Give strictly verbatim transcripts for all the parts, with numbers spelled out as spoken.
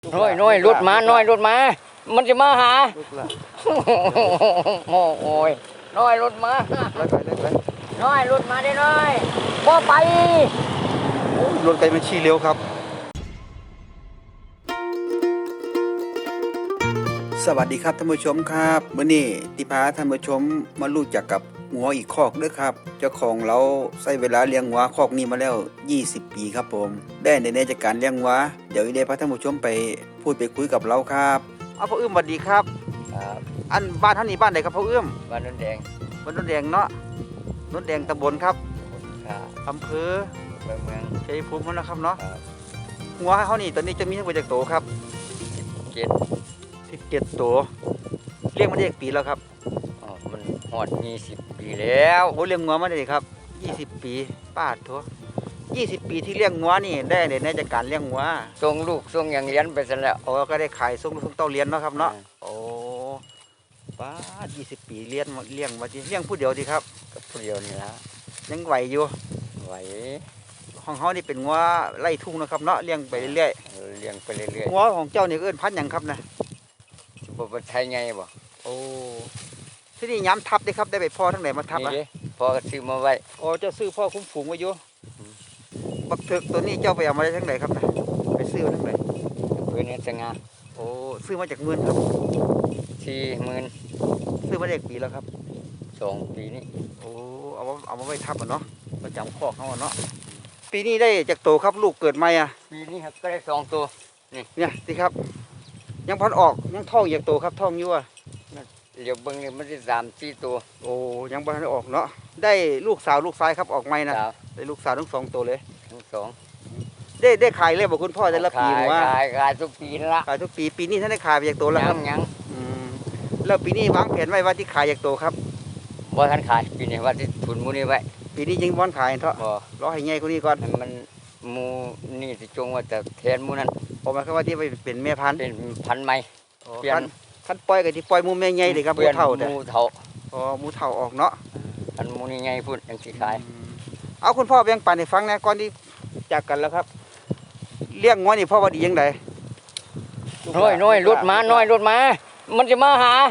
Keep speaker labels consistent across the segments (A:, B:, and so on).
A: น้อยน้อยรถมาน้อยรถมามันจะมาหาโอ้ยน้อยรถมาน้อยรถมาได้น้อยบ่ไป
B: รถไกลมันชี้เร็วครับสวัสดีครับท่านผู้ชมครับมื้อนี้ติพาท่านผู้ชมมารู้จักกับงัวอีกคอกด้วยครับเจ้าของเราใช้เวลาเลี้ยงงัวคอกนี้มาแล้วยี่สิบปีครับผมได้ในในจากการเลี้ยงงัวเดี๋ยวอีเดพาท่านผู้ชมไปพูดไปคุยกับเราครับเอาพ่ออื้มสวัสดีครับ
A: ครับ
B: อันบ้านท่านนี้บ้านไหนครับพ่ออื้ม
A: บ้านนนแดง
B: บ้านนนแดงเนาะนนแดงตำบลครับ
A: ครับ
B: อำเภอ
A: เมืองเมือง
B: ชัยภูมินะครับเนาะงัวเขานี่ตอนนี้จะมีทั้งหมดจากโตครับ
A: เจ็ด
B: สิบเจ็ดตัวเลี้ยงมาได้กี่ปีแล้วครับ
A: อ๋อมันหอดยี่สิบปีแล้ว
B: โอ้เลี้ยงงัวมาได้ครับยี่สิบปีป้าทัวยี่สิบปีที่เลี้ยงงัวนี่ได้ในจากการเลี้ยงงัว
A: ส่งลูกส่งอย่างเลี้ยงไปซะแล้ว
B: โอ้ก็ได้ขายส่งลูกส่งเต้าเลี้ยงเนาะครับเนาะโอ้ป้ายี่สิบปีเลี้ยงเลี้ยงมาดิเลี้ยงผู้เดียวดีครับ
A: กับผู้เดียวนี่ละ
B: ยังไหวอยู่
A: ไหว
B: ของเขานี่เป็นงัวไล่ทุ่งนะครับเนาะเลี้ยงไปเรื่อย
A: ๆเลี้ยงไปเรื่อย
B: ๆงัวของเจ้านี่เอิ้นพันธุ์หยังครับนะ
A: บ่เป็นไทยไงบ่
B: โอ้ที่นี่ย้ำทับได้ครับได้ไปพ่อทั้งไหนมาทับอ่ะ
A: พ่อก็ซื้อมาไว้
B: โอ้เจ้าซื้อพ่อคุ้มฝูงไว้อยู่บักเถิกตัวนี้เจ้าไปเอามาได้ทั้งไหนครับนะไปซื้อทั้งไหน
A: เพื่อนสง่า
B: โอ้ซื้อมาจากเมืองครับ
A: สี่หมื่น
B: ซื้อมาได้ปีแล้วครับ
A: สองปีนี้
B: โอ้เอาเอามาไว้ทับอ่ะเนาะประจำข้อเขาอ่ะเนาะปีนี้ได้จากโตครับลูกเกิดใหม่อ่ะ
A: ปีนี้ครับก็ได้สองตัว
B: นี่เนี่ยสิครับยังพันออกยังท้องอยากโตครับท้องอยู่อ่ะ
A: เดี๋ยวเบิ้งเนี่ยมันจะสามสี่ตัว
B: โอ้ยังพันออกเนาะได้ลูกสาวลูกชายครับออกใหม่นะได้ลูกสาวทั้งสองตัวเลย
A: ทั้งสอง
B: ได้ได้ขายเลยบอกคุณพ่อได้ละปีว่า
A: ขายขายทุกปีละ
B: ขายทุกปีปีนี้ท่านได้ขายไปอยากโตแล้วครับ
A: ยัง
B: แล้วปีนี้วางแผนไว้ว่าที่ขายอยากโตครับ
A: บ่ทันขายปีนี้ว่าที่ทุนมูนี่ไว้
B: ปีนี้ยังบ่ขายเถอะรอให้ใหญ่กว่านี้ก่อน
A: มันมูนี่สิจงว่าแต่แทนมูนั้น
B: ผมหมายความว่าที่ไปเป็นแม่พันธุ์
A: เป็นพันธุ์ใหม่
B: เปลี่ยนคันปล่อยกับที่ปล่อยมูแม่ใหญ่เลยครับมูเท่าแต่
A: มูเท่า
B: อ๋อมูเท่าออกเนาะ
A: อันมูนี่ใหญ่พุ่นยังสิขาย
B: เอาคุณพ่อแบ่งปันให้ฟังนะก่อนที่จากกันแล้วครับเลี้ยงงัวนี่พ่อว่าดียังไง
A: น้อยน้อยรถมาน้อยรถมามันจะมาหา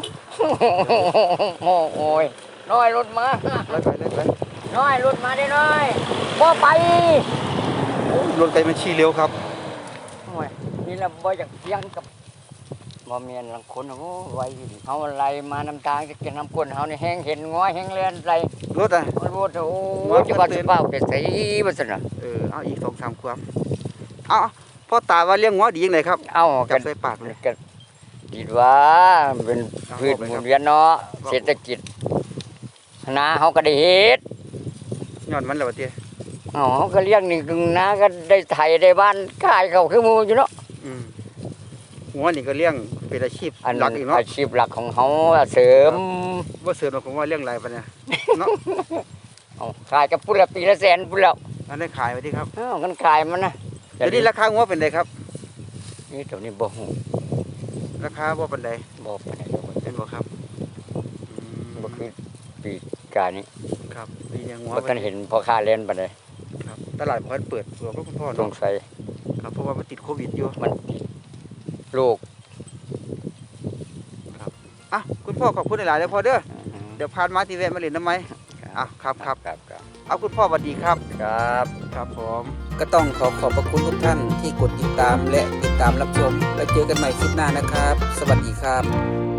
A: โอ้ยน้อยรถมาน้อยรถมาได้น้อยบ่ไป
B: รถไกลมันชี้เร็วครับ
A: นี่เราบ่อยากเลี้ยงกับบ่เมียนหลังคนโอ้ไว้เขาอะไรมานำทางจะกินน้ำก้นเขานี่แห้งเห็นง้อแห้งเลียนไร
B: รถอ่ะ
A: รถโอ้จะบ้าจะบ้าไปใส่บ้านน่ะ
B: เออเอาอีกสองสามขวบเอาพ่อตาว่าเลี้ยงง้อดียังไงครับ
A: เอา
B: จับใส่ปากเลย
A: กันคิดว่าเป็นพืชหมุนเวียนเนาะเศรษฐกิจนาเขาก็ได้เฮ็ด
B: ย้อนมันแล้วเตี้ย
A: อ๋อเขาก็เลี้ยงนี่นาก็ได้ไถได้บ้านขายเขาคือมูอยู่เนาะ
B: งัวนี่ก็เลี้ยงเป็นอาชีพหลักอีกเนาะ
A: อาชีพหลักของเขาเสริม
B: ว่าเสริมผมว่าเลี้ยงไรปะเนี่ยเนาะ
A: ขายกับปุระปีละแสนปุระ
B: อันนี้ขายไปที่ครับ
A: อ้าวกันขายมันนะ
B: เดี๋ยวนี้ราคางัวเป็นไงครับ
A: นี่ตัวนี้บ่หู
B: ราคาบ่เป็นไง
A: บ่เป็นไง
B: เป็นบ่ครับ
A: บ่คือปีกานี้
B: ครับปียังงัว
A: บ่กันเห็นพอค้าเล่นปานใด
B: ครับตลาดพอเปิดตัวก็คุณพ่อ
A: สงสัย
B: ครับเพราะว่ามันติดโควิดอยู่
A: มันลูก
B: ครับอ่ะคุณพ่อขอบคุณหลายๆเลยพ่อเด้อเดี๋ยวพานมาที่แวะมาเล่นน้ำไหมอ่ะครับครับ
A: ครับ
B: เอาคุณพ่อสวัสดีครับ
A: ครับ
B: ครับผมก็ต้องขอขอบพระคุณทุกท่านที่กดติดตามและติดตามรับชมแล้วเจอกันใหม่คลิปหน้านะครับสวัสดีครับ